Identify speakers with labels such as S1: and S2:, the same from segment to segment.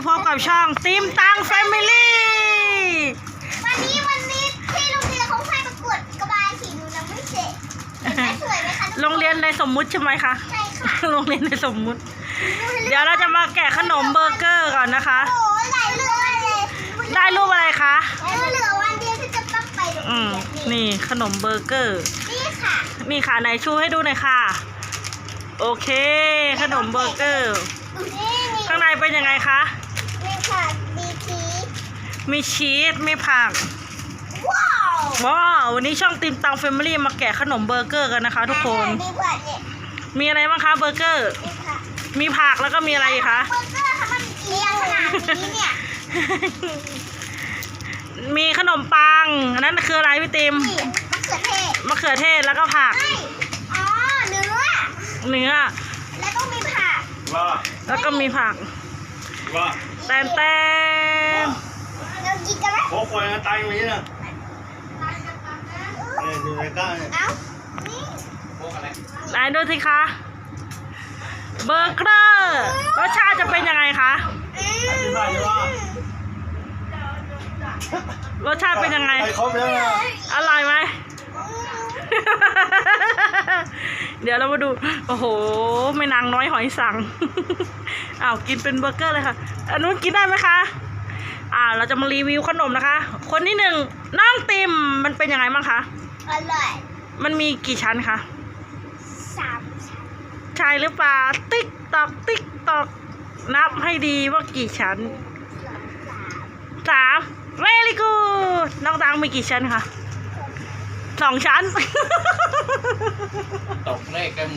S1: พบกับช่องติมตังแฟมิลี่
S2: วันนี้ที่โรงเรียนเขาให้ประกวดกระบายสีหนูยังไม่เสร็จสวยไหมคะ
S1: โรงเรียนในสมมุติใช่ไหมคะ
S2: ใช่ค่ะ
S1: โรงเรียนในสมมุติ เดี๋ยวเราจะมาแกะขนมเบอร์เกอร์ก่อนนะคะ
S2: โอ้หลายเรื่องเลย
S1: ได้รูปอะไรคะ
S2: เหลือวันเดียวที่จะต้องไปโรงเรียน
S1: นี่ขนมเบอร์เกอร์
S2: นี่ค่ะ
S1: นี่ค่ะไหนชูให้ดูหน่อยค่ะโอเคขนมเบอร์เกอร์ข้างในเป็นยังไงคะ
S2: มีผัก
S1: มีชีสมีผักว้าววันนี้ช่องติมตังแฟมิลี่มาแกะขนมเบอร์เกอร์กันนะคะทุกคนมีอะไรบ้างคะเบอร์เกอร์มีผักแล้วก็มีอะไรคะ
S2: เบอร์เกอร์ค่ะมันเลี้ยงขนาดนี้เนี่ย
S1: มีขนมปังอันนั้นคืออะไรพี่ติมมะเขือเทศแล้วก็ผัก
S2: อ๋อเนื้อแล้วก็มีผัก
S1: แล้วก็มีผักแตน
S2: เรากินกันไหม
S3: โอ้ยตายอย่างนี้นะดูในก้าเนี่ย
S1: ไหนดูสิคะเบอร์เกอร์รสชาติจะเป็นยังไงคะรสชาติเป็นยังไงอร่อยไหมเดี๋ยวเรามาดูโอ้โหไม่นางน้อยหอยสังอ้าวกินเป็นเบอร์เกอร์เลยค่ะอันนู้นกินได้ไหมคะเราจะมารีวิวขนมนะคะคนที่หนึ่งน้องติมมันเป็นยังไงบ้างคะ
S2: อร่อย
S1: มันมีกี่ชั้นคะ
S2: 3 ชั้น
S1: ใช่หรือเปล่าติ๊กตอกติ๊กตอกนับให้ดีว่ากี่ชั้น3 very good น้องตังมีกี่ชั้นคะ2 ชั้น
S3: ตกเลขกัน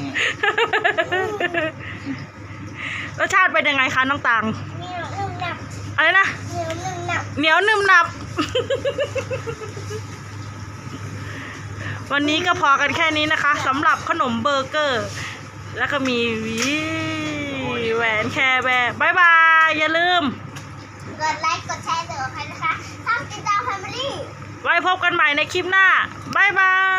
S1: รสชาติเป็นยังไงคะน้องตัง
S2: เหนียวนุ่มหนับ
S1: อะไรนะเหนียวนุ่มหนับวันนี้ก็พอกันแค่นี้นะคะสำหรับขนมเบอร์เกอร์แล้วก็มีแหวนแคร์แบร์บายบายอย่าลืม
S2: กดไลค์กดแชร์เดี๋ยวใครนะคะช่องติดตามแฟมิลี่
S1: ไว้พบกันใหม่ในคลิปหน้าบายบาย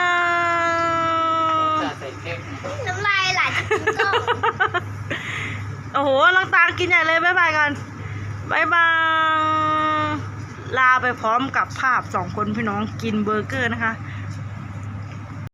S2: น้ำลายไหลก็
S1: โอ้โหน้องตากินใหญ่เลยบายบายกันบายบายลาไปพร้อมกับภาพ2 คนพี่น้องกินเบอร์เกอร์นะคะ